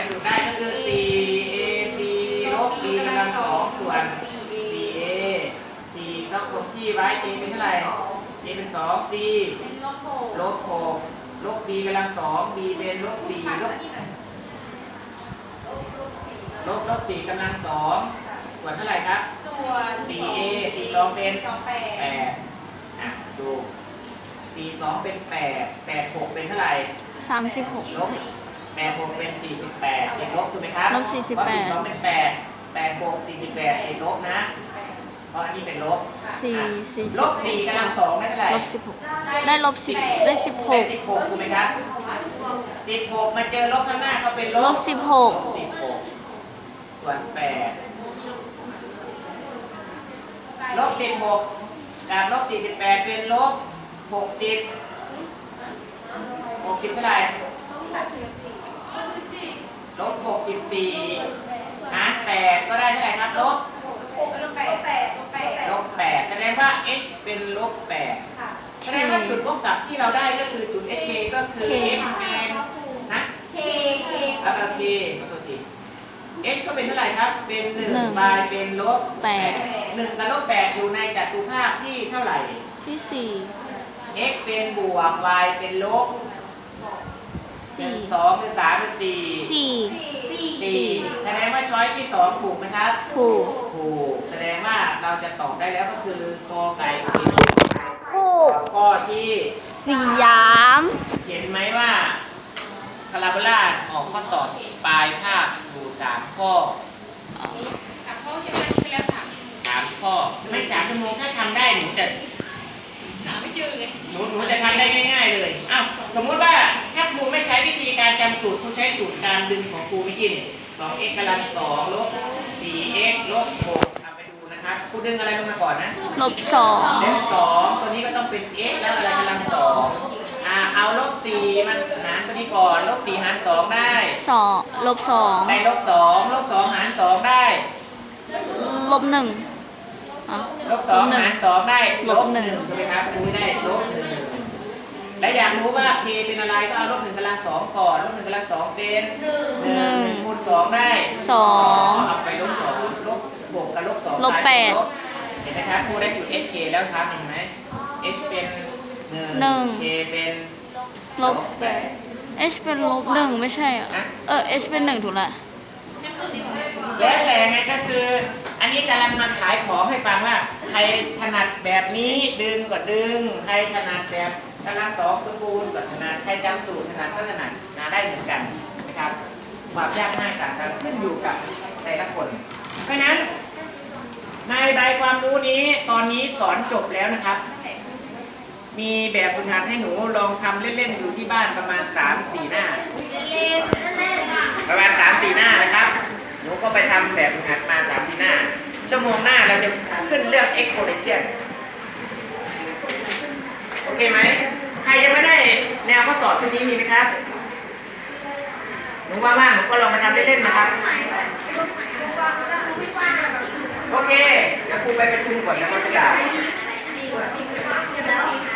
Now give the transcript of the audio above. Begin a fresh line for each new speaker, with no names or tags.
สูตรได้ก็คือ 4ac ลบ b กำลังสองส่วน 4a 4ต้องคงที่ไว้ a เป็นเท่าไหร่ a เป็น2 c
เป็นลบ
ลบ b กำลังสอง b เป็นลบ4ลบ 4กำลังสองส่วนเท่าไหร่ครับ
ส่วน
4a 4 2เป็น8ดู 4 2เป็น8 8 6เป็นเท่าไหร่
36
ลบ8 6เป็น48ติดลบถูกไหมครับ
ลบ48
เพราะ4 2เป็น8 8 6 48ติดลบนะเพราะอันนี้เป็นลบลบ4กำลังสองได้เท่าไหร่
ลบ16ได้ลบ10ได้
16ถูกไหมครับ16มาเจอลบข้างหน้าก็เป็นลบ
16
ส่วน8ลบ16กับลบ48เป็นลบ60เท่าไหร่ลบ64หาร8ก็ได้เท่าไหร่ครับลบ8แสดงว่า h เป็นลบ8แสดงว่าจุดพบกับที่เราได้ก็คือจุด hk ก็คือ h เป็นนะ แล้วก็ k ขอโทษที h ก็เป็นเท่าไหร่ครับเป็น1 y เป็นลบ8 1กับลบ8อยู่ในจัตุภาคที่เท่าไหร่
ที่
4 x เป็นบวก y เป็นลบ1 2หรือ3หรือ4แสดงว่าช้อยที่2ถูกไหมครับ
ถูก
แสดงว่าเราจะตอบได้แล้วก็คือกอไก่ผิด
ถูก
ข้อที่
สยาม
เห็นไหมว่าพาราโบลาออกข้อสอบปลายภาคอยู่3ข้อ
ใช่ไหมที่ไปแล้ว
3ข้อไม่3 ชั่วโมงถ้าทำได้หนูจะ
หาไม่เจอเลย
หนูจะทำได้ง่ายๆเลยอ้าวสมมุติว่าถ้าครูไม่ใช้วิธีการจำสูตรครูใช้สูตรการดึงของครูเมื่อกี้นี่ 2x กำลัง2ลบ 4x ลบ6เอาไปดูนะครับครูดึงอะไรลงมาก่อนนะ
ลบ2
ตัวนี้ก็ต้องเป็น x แล้วอะไรกำลัง2เอาลบ4มันหารตัวนี้ก่อนลบ4หาร2ได้
2ลบ2
ได้ลบ2ลบ2หาร2ได้
ลบ1
ลบ2หาร2ได้ลบ1ถูกไหมครับครูได้ลบ1และอยากรู้ว่า k เป็นอะไรก็เอาลบ1กำลัง2ก่อนลบ1กำลัง2เป็น1คูณ2ได้2เอาไปลบ2ลบ6กับลบ2
ลบ8
เห็นไหมครับครูได้จุด hk แล้วครับเห็นไหม h เป็น1 k เป็น
ลบ8 h เป็นลบ1ไม่ใช่h เป็น1ถูกละ
แล้วแต่ไงก็คืออันนี้กำลังมาขายของให้ฟังว่าใครถนัดแบบนี้ดึงก็ดึงใครถนัดแบบกำลัง2สมบูรณ์ก็ถนัดใครจำสูตรถนัดก็ถนัดได้เหมือนกันนะครับความยากง่ายต่างกันขึ้นอยู่กับแต่ละคนเพราะฉะนั้นในใบความรู้นี้ตอนนี้สอนจบแล้วนะครับมีแบบฝึกหัดให้หนูลองทำเล่นๆอยู่ที่บ้านประมาณ 3-4 หน้าประมาณ 3-4 หน้านะครับหนูก็ไปทำแบบฝึกหัดมา 3-4 หน้าชั่วโมงหน้าเราจะขึ้นเรื่อง exponential โอเคไหมใครยังไม่ได้แนวข้อสอบชุดนี้มีไหมครับหนูว่างๆหนูก็ลองมาทำเล่นๆนะครับโอเคแล้วครูไปประชุมก่อนแล้วก็จะได้